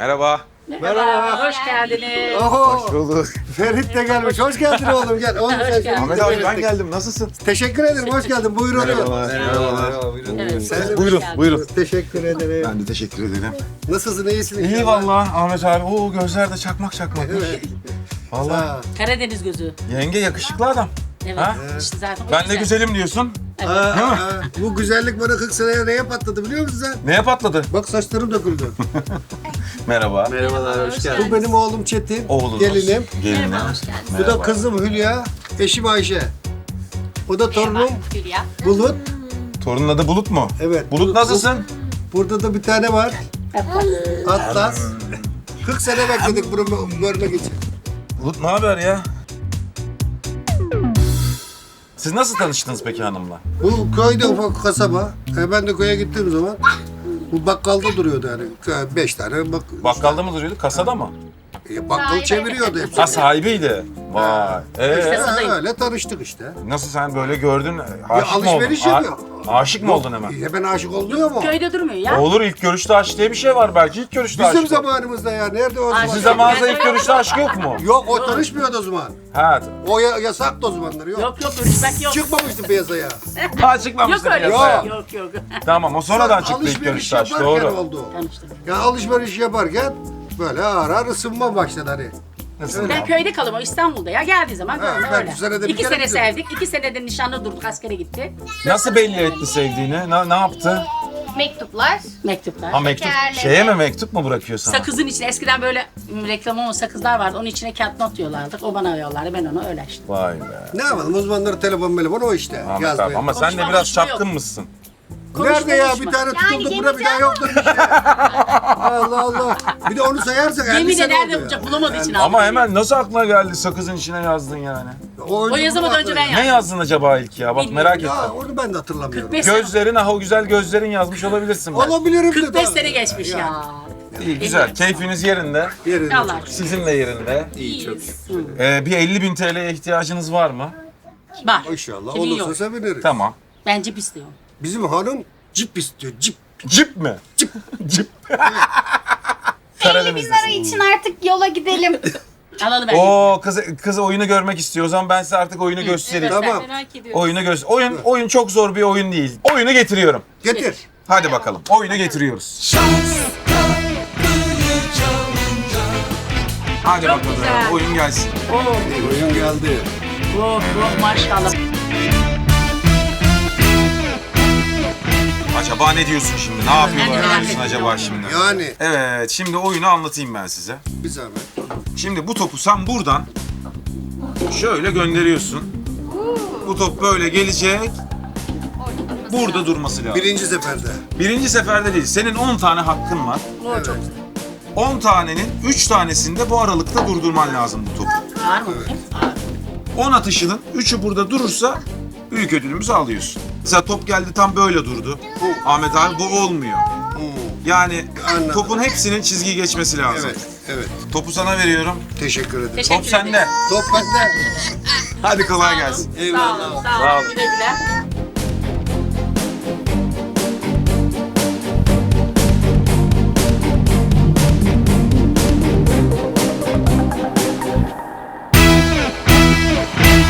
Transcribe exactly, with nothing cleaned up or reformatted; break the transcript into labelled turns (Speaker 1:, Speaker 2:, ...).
Speaker 1: Merhaba.
Speaker 2: Merhaba. Hoş geldiniz.
Speaker 3: Oho.
Speaker 1: Hoş bulduk.
Speaker 3: Ferit de gelmiş. Hoş geldin oğlum. Gel. Oğlum sen
Speaker 2: geldin.
Speaker 1: Ahmet abi ben geldim. Nasılsın?
Speaker 3: Teşekkür ederim. Hoş geldin. Buyur oğlum.
Speaker 1: Merhabalar.
Speaker 2: Evet,
Speaker 3: Sen de
Speaker 1: Buyurun,
Speaker 3: hoş geldin.
Speaker 1: buyurun.
Speaker 3: Teşekkür ederim.
Speaker 1: Ben de teşekkür ederim.
Speaker 3: Nasılsın? İyisin?
Speaker 1: İyi
Speaker 3: inşallah?
Speaker 1: vallahi Ahmet abi. Oo gözler de çakmak çakmak.
Speaker 3: Evet.
Speaker 1: Vallahi.
Speaker 3: Ha.
Speaker 2: Karadeniz gözü.
Speaker 1: Yenge yakışıklı adam.
Speaker 2: Evet.
Speaker 1: Ha?
Speaker 2: İşte zaten o
Speaker 1: Ben de
Speaker 2: yüzden.
Speaker 1: güzelim diyorsun.
Speaker 2: Evet.
Speaker 3: Aa, aa, bu güzellik bana kırk seneye neye patladı biliyor musun sen?
Speaker 1: Neye patladı?
Speaker 3: Bak saçlarım döküldü.
Speaker 1: Merhaba.
Speaker 2: Merhabalar, hoş geldiniz.
Speaker 3: Bu benim oğlum Çetin.
Speaker 1: Oğlunuz.
Speaker 3: Gelinim.
Speaker 1: Gelinim.
Speaker 2: Merhaba, hoş geldiniz.
Speaker 3: Bu da kızım Hülya. Eşim Ayşe. O da torunum
Speaker 2: Hülya.
Speaker 3: Bulut.
Speaker 1: Torunun adı Bulut mu?
Speaker 3: Evet.
Speaker 1: Bulut nasılsın?
Speaker 3: Burada da bir tane var. Atlas. kırk sene bekledik bunu görmek için.
Speaker 1: Bulut ne haber ya? Siz nasıl tanıştınız peki hanımla?
Speaker 3: Bu köyde ufak kasaba. E ben de köye gittiğim zaman bu bakkalda duruyordu yani. Beş tane bak.
Speaker 1: Bakkalda mı duruyordu? Kasada mı?
Speaker 3: E, bakkal çeviriyordu hepsi.
Speaker 1: Ha sahibiydi. Vay. Ee,
Speaker 3: İşte öyle tanıştık işte.
Speaker 1: nasıl sen böyle gördün?
Speaker 3: Ya
Speaker 1: Aşık mı oldun?
Speaker 3: alışveriş
Speaker 1: A-
Speaker 3: yapıyor.
Speaker 1: aşık mı oldun hemen?
Speaker 3: Hemen aşık oluyor mu?
Speaker 2: Köyde durmuyor ya.
Speaker 1: Olur ilk görüşte aşk diye bir şey var belki ilk görüşte
Speaker 3: Bizim
Speaker 1: aşk.
Speaker 3: zamanımızda ya. Nerede o zaman?
Speaker 2: Aşk.
Speaker 1: Sizin zamanınızda ilk görüşte aşk yok mu?
Speaker 3: Yok o tanışmıyordu o zaman.
Speaker 1: Ha,
Speaker 3: O ya, yasaktı o zamanlar yok.
Speaker 2: Yok yok görüşmek yok.
Speaker 3: Çıkmamıştı piyasaya.
Speaker 1: ha
Speaker 2: Yok
Speaker 1: çıkmamıştı
Speaker 2: öyle bir
Speaker 1: piyasaya.
Speaker 2: şey. Yok yok.
Speaker 1: Tamam o sonradan çıktı ilk
Speaker 3: Alışveriş
Speaker 1: görüşte aşk
Speaker 3: yaparken
Speaker 1: doğru.
Speaker 3: oldu.
Speaker 2: Tanıştık.
Speaker 3: Ya alışveriş yaparken böyle ağır ağır ısınma başladı hani.
Speaker 1: Nasıl?
Speaker 2: Ben köyde kalıyorum, o İstanbul'da ya. Geldiği zaman
Speaker 3: Ha,
Speaker 2: böyle
Speaker 3: ben
Speaker 2: öyle.
Speaker 3: bu senede bir
Speaker 2: İki
Speaker 3: kere
Speaker 2: sene
Speaker 3: gidiyorum.
Speaker 2: sevdik, iki senede nişanlı durduk, askere gitti.
Speaker 1: Nasıl belli etti sevdiğini? Ne, ne yaptı?
Speaker 4: Mektuplar.
Speaker 2: Mektuplar.
Speaker 1: Ha mektup.
Speaker 4: Şekerleme.
Speaker 1: Şeye mi mektup mu bırakıyor sana?
Speaker 2: Sakızın içine, eskiden böyle m, reklam olmayan sakızlar vardı. Onun içine kağıt not diyorlardı. O bana yollardı, ben ona öyle işte.
Speaker 1: Vay be.
Speaker 3: Ne yapalım uzmanları telefon telefon o işte.
Speaker 1: Ahmet
Speaker 3: yazmaya.
Speaker 1: abi ama sen de
Speaker 2: Konuşma,
Speaker 1: biraz
Speaker 2: konuşma
Speaker 1: çapkın
Speaker 2: yok.
Speaker 1: mısın?
Speaker 3: Nerede ya
Speaker 2: Konuşma,
Speaker 3: bir tane
Speaker 4: Yani
Speaker 3: tutuldu
Speaker 4: gemi
Speaker 3: buna bir daha yoktur bir şey. Allah Allah. Bir de onu sayarsak elli
Speaker 2: Yemin
Speaker 3: sene
Speaker 2: eder
Speaker 3: oldu
Speaker 2: de
Speaker 3: ya.
Speaker 2: bulacak, bulamadığı için
Speaker 1: Ama
Speaker 2: aldı.
Speaker 1: hemen nasıl aklına geldi sakızın içine yazdın yani?
Speaker 3: O,
Speaker 2: O yazamadan önce ben
Speaker 1: Ne
Speaker 2: yazdım.
Speaker 1: yazdın acaba ilk ya? Bak
Speaker 2: Bilmiyorum.
Speaker 1: merak ettim.
Speaker 3: Ya onu ben de hatırlamıyorum.
Speaker 2: kırk beş sene-
Speaker 1: Gözlerin, ah o güzel gözlerin yazmış olabilirsin ben.
Speaker 3: Olabilirim de.
Speaker 2: kırk beş
Speaker 3: tabii.
Speaker 2: sene geçmiş ya.
Speaker 1: İyi güzel. Keyfiniz yerinde.
Speaker 3: Yerinde.
Speaker 2: Allah.
Speaker 1: Sizin de yerinde.
Speaker 2: İyi çok.
Speaker 1: Ee, bir elli bin T L'ye ihtiyacınız var mı?
Speaker 2: Var.
Speaker 3: İnşallah
Speaker 2: Kimin
Speaker 3: olursa
Speaker 2: yok?
Speaker 3: seviniriz.
Speaker 1: Tamam.
Speaker 2: Ben cip istiyorum.
Speaker 3: Bizim hanım cip istiyor cip.
Speaker 1: Cip mi? Cip. Cip.
Speaker 4: elli bin
Speaker 1: Karadeniz'desin.
Speaker 4: lira için artık yola gidelim.
Speaker 2: Alalım ben.
Speaker 1: Oo kız kız oyunu görmek istiyor. O zaman ben size artık oyunu göstereyim.
Speaker 2: Evet, ben
Speaker 3: Tamam.
Speaker 2: merak ediyorum.
Speaker 1: Oyunu göster. Oyun oyun çok zor bir oyun değil. Oyunu getiriyorum.
Speaker 3: Getir.
Speaker 1: Hadi bakalım. Oyunu getiriyoruz. Hadi
Speaker 2: Çok
Speaker 1: bakalım.
Speaker 2: güzel.
Speaker 1: Oyun gelsin.
Speaker 2: Oh,
Speaker 3: Oyun geldi.
Speaker 2: oh, oh maşallah.
Speaker 1: Acaba ne diyorsun şimdi? Ne yapıyorlar
Speaker 2: merak
Speaker 1: diyorsun
Speaker 2: ettim.
Speaker 1: acaba şimdi?
Speaker 3: Yani
Speaker 1: Evet, şimdi oyunu anlatayım ben size.
Speaker 3: bir zahmet.
Speaker 1: Şimdi bu topu sen buradan şöyle gönderiyorsun. Bu top böyle gelecek. Burada durması lazım.
Speaker 3: Birinci seferde.
Speaker 1: Birinci seferde değil. Senin on tane hakkın var.
Speaker 2: Oh, çok güzel.
Speaker 1: on tanenin üç tanesinde bu aralıkta durdurman lazım bu topu.
Speaker 2: Ağır mı?
Speaker 1: on atışının üçü burada durursa büyük ödülümüzü alıyorsun. Mesela top geldi tam böyle durdu. Ahmet abi bu olmuyor. Yani
Speaker 3: Anladım.
Speaker 1: topun hepsinin çizgiyi geçmesi lazım.
Speaker 3: Evet, evet.
Speaker 1: Topu sana veriyorum.
Speaker 3: Teşekkür ederim.
Speaker 2: Teşekkür
Speaker 1: Top sende.
Speaker 2: ederim.
Speaker 3: Top bende.
Speaker 1: Hadi kolay gelsin.
Speaker 2: Sağ olun, sağ olun.
Speaker 1: Sağ olun.
Speaker 2: Güle güle.